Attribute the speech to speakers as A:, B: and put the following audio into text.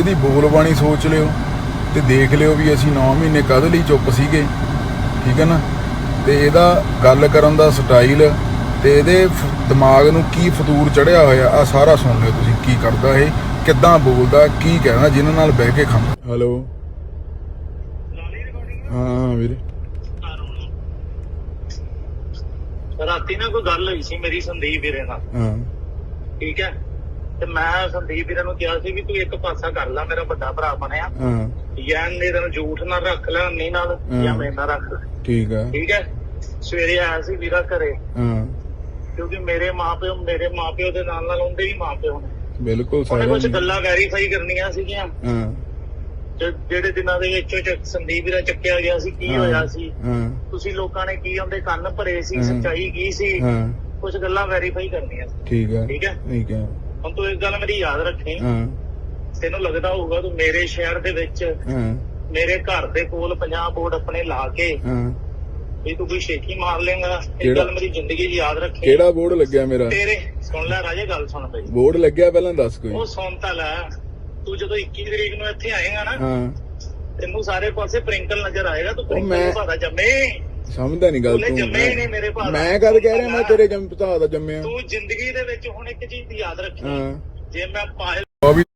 A: ਇਹਦੀ ਬੋਲ ਬਾਣੀ ਸੋਚ ਲਿਓ ਤੇ ਦੇਖ ਲਿਓ ਵੀ ਅਸੀਂ 9 ਮਹੀਨੇ ਕਦ ਲਈ ਚੁੱਪ ਸੀਗੇ, ਠੀਕ ਹੈ ਨਾ। ਤੇ ਇਹਦਾ ਗੱਲ ਕਰਨ ਦਾ ਸਟਾਈਲ ਤੇ ਇਹਦੇ ਦਿਮਾਗ ਨੂੰ ਕੀ ਫਤੂਰ ਚੜਿਆ ਹੋਇਆ ਆ ਸਾਰਾ ਸੁਣ ਲਿਓ ਤੁਸੀਂ। ਕੀ ਕਰਦਾ ਇਹ, ਕਿੱਦਾਂ ਬੋਲਦਾ, ਕੀ ਕਹਿੰਦਾ ਜਿਨ੍ਹਾਂ ਨਾਲ ਬਹਿ ਕੇ ਖਾਂਦਾ। ਹੈਲੋ, ਹਾਂ ਵੀਰੇ।
B: ਰਾਤੀ ਨਾ ਕੋਈ ਗੱਲ ਹੋਈ ਸੀ ਮੇਰੀ ਸੰਦੀਪ ਵੀਰੇ ਨਾਲ,
A: ਹਾਂ
B: ਠੀਕ ਹੈ। ਤੇ ਮੈਂ ਸੰਦੀਪ ਵੀਰੇ ਨੂੰ ਕਿਹਾ ਸੀ ਵੀ ਤੂੰ ਇੱਕ ਪਾਸਾ ਕਰ ਲੈ, ਮੇਰਾ ਵੱਡਾ ਭਰਾ ਬਣਿਆ,
A: ਹਾਂ
B: ਜਾਂ ਮੇਰੇ ਨਾਲ ਝੂਠ ਨਾਲ ਰੱਖ ਲੈ ਅੰਨੀ ਨਾਲ, ਜਾਂ ਮੇਰੇ ਨਾਲ ਰੱਖ ਲੈ,
A: ਠੀਕ ਹੈ
B: ਠੀਕ ਹੈ। ਸਵੇਰੇ ਆਇਆ ਸੀ ਵੀਰਾ ਘਰੇ,
A: ਹਾਂ
B: ਕਿਉਂਕਿ ਮੇਰੇ ਮਾਪਿਓ ਦੇ ਨਾਲ ਨਾਲ ਉਹਦੇ ਵੀ ਮਾਪਿਓ ਨੇ,
A: ਬਿਲਕੁਲ
B: ਉਹਨੇ ਕੁਝ
A: ਸਾਰਾ
B: ਗੱਲਾਂ ਵੈਰੀਫਾਈ ਕਰਨੀਆਂ ਸੀਗੀਆਂ।
A: ਹਾਂ
B: ਜਿਹੜੇ ਦਿਨਾਂ ਦੇ ਵਿੱਚ ਸੰਦੀਪ ਵੀਰਾ ਚੱਕਿਆ ਗਿਆ ਸੀ, ਕੀ ਹੋਇਆ ਸੀ,
A: ਹਾਂ
B: ਤੁਸੀਂ ਲੋਕਾਂ ਨੇ ਕੀ ਉਹਦੇ ਕੰਨ ਭਰੇ ਸੀ,
A: ਹਾਂ।
B: ਸੱਚਾਈ ਕੀ ਸੀ,
A: ਹਾਂ
B: ਕੁਝ ਗੱਲਾਂ ਵੈਰੀਫਾਈ ਕਰਨੀਆਂ ਸੀ,
A: ਠੀਕ ਹੈ
B: ਠੀਕ ਹੈ।
A: ਠੀਕ ਹੈ
B: ਹੁਣ ਤੂੰ ਇੱਕ ਗੱਲ ਮੇਰੀ ਯਾਦ ਰੱਖੀ,
A: ਹਾਂ
B: ਤੈਨੂੰ ਲੱਗਦਾ ਹੋਊਗਾ ਤੂੰ ਮੇਰੇ ਸ਼ਹਿਰ ਦੇ ਵਿੱਚ
A: ਹਾਂ
B: ਮੇਰੇ ਘਰ ਦੇ ਕੋਲ 50 ਬੋਰਡ ਆਪਣੇ ਲਾ ਕੇ
A: ਹਾਂ
B: ਵੀ ਤੂੰ ਕੋਈ ਸ਼ੇਖੀ ਮਾਰ ਲੇਗਾ। ਇੱਕ
A: ਕਿਹੜਾ?
B: ਗੱਲ ਮੇਰੀ ਜ਼ਿੰਦਗੀ 'ਚ ਯਾਦ ਰੱਖੀ,
A: ਕਿਹੜਾ ਬੋਰਡ ਲੱਗਿਆ ਮੇਰਾ?
B: ਤੇਰੇ ਸੁਣ ਲੈ ਰਾਜੇ, ਗੱਲ ਸੁਣ ਬਈ।
A: ਬੋਰਡ ਲੱਗਿਆ ਪਹਿਲਾਂ ਦੱਸ ਕੋਈ।
B: ਉਹ ਸੁਣ ਤਾਂ ਲੈ, ਤੂੰ ਜਦੋਂ 21 ਤਰੀਕ ਨੂੰ ਇੱਥੇ ਆਏਗਾ ਨਾ,
A: ਹਾਂ
B: ਤੈਨੂੰ ਸਾਰੇ ਪਾਸੇ ਪ੍ਰਿੰਕਲ ਨਜ਼ਰ ਆਏਗਾ। ਤੂੰ
A: ਮੈਂ-
B: ਪ੍ਰਿੰਕਲ ਭਾਦਾ ਜੰਮੇ,
A: ਸਮਝਦਾ ਨਹੀਂ ਗੱਲ
B: ਉਹਨੇ
A: ਤੂੰ।
B: ਜੰਮੇ ਹੀ ਨਹੀਂ ਮੇਰੇ ਭਾਦਾ।
A: ਮੈਂ ਕਦ ਕਹਿ ਰਿਹਾ ਮੈਂ ਤੇਰੇ ਭਰਾ ਦਾ ਜੰਮਿਆ।
B: ਤੂੰ ਜ਼ਿੰਦਗੀ ਦੇ ਵਿੱਚ ਹੁਣ ਇੱਕ ਚੀਜ਼ ਦੀ ਯਾਦ ਰੱਖੀ,
A: ਹਾਂ
B: ਜੇ ਮੈਂ ਪਾਇਲ
A: ਉਹ ਵੀ